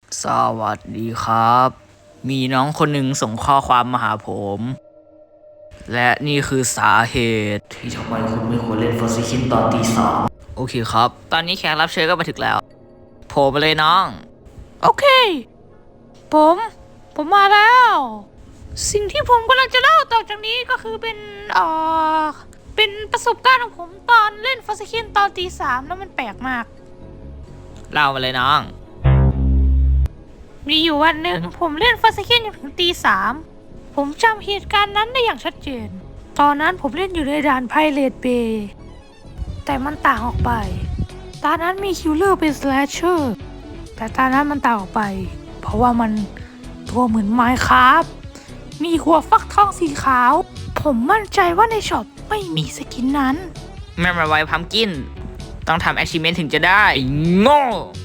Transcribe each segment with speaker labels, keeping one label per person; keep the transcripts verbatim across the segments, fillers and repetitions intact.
Speaker 1: สวัสดีครับ มีน้องคนหนึ่งส่งข้อความมาหาผม และนี่คือสาเหตุที่ทำไมคุณไม่ควรเล่นฟอสซิคินตอนตีสามโอเคครับ ตอนนี้แขกรับเชิญก็มาถึงแล้วโผล่มาเลยน้อง โอเค ผม ผมมาแล้ว สิ่งที่ผมกำลังจะเล่าต่อจากนี้ก็คือเป็นเอ่อเป็นประสบการณ์ของผมตอนเล่นฟอสซิคินตอนตีสามแล้วมันแปลกมาก เล่ามาเลยน้อง มีอยู่วันหนึ่งผมเล่นฟาสเคนจนถึงตีสามผมจำเหตุการณ์นั้นได้อย่างชัดเจนตอนนั้นผมเล่นอยู่ในด่านไพเรตเบย์แต่มันต่างออกไปตอนนั้นมีคิลเลอร์เป็นสแลชเชอร์แต่ตอนนั้นมันต่างออกไปเพราะว่ามันตัวเหมือนไมน์คราฟมีหัวฟักทองสีขาวผมมั่นใจว่าในช็อปไม่มีสกินนั้นแม่มาไวพัมกินต้องทำแอชชิเมนต์ถึงจะได้โง่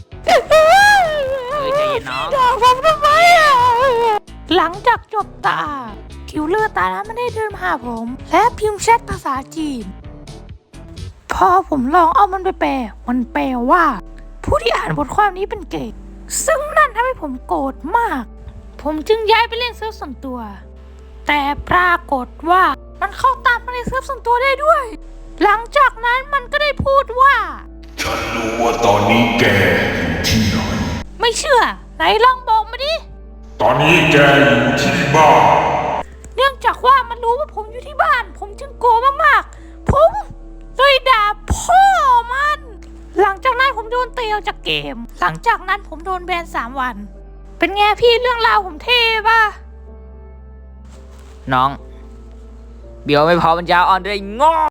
Speaker 1: ใจเย็นน้องด่าผมทำไมอ่ะหลังจากจบตาคิวเลอร์ตานั้นไม่ได้เดินมาหาผมและพิมพ์แชทภาษาจีนพอผมลองเอามันไปแปลมันแปลว่าผู้ที่อ่านบทความนี้เป็นเกย์ซึ่งนั่นทำให้ผมโกรธมากผมจึงย้ายไปเล่นเซิร์ฟส่วนตัวแต่ปรากฏว่ามันเข้าตามมาในเซิร์ฟส่วนตัวได้ด้วยหลังจากนั้นมันก็ได้พูดว่า
Speaker 2: ฉันรู้ว่าตอนนี้แกอยู่ที่ไหน
Speaker 1: ไม่เชื่อไหนลองบอกมาดิ
Speaker 2: ตอนนี้แกอยู่ที่บ้าน
Speaker 1: เนื่องจากว่ามันรู้ว่าผมอยู่ที่บ้านผมจึงโกรธมากๆผมเลยด่าพ่อมันหลังจากนั้นผมโดนเตะออกจากเกมหลังจากนั้นผมโดนแบนสามวันเป็นไงพี่เรื่องราวผมเท่ป่ะน้องเบียวไม่พอมันยาวอ่อนด้วยงอ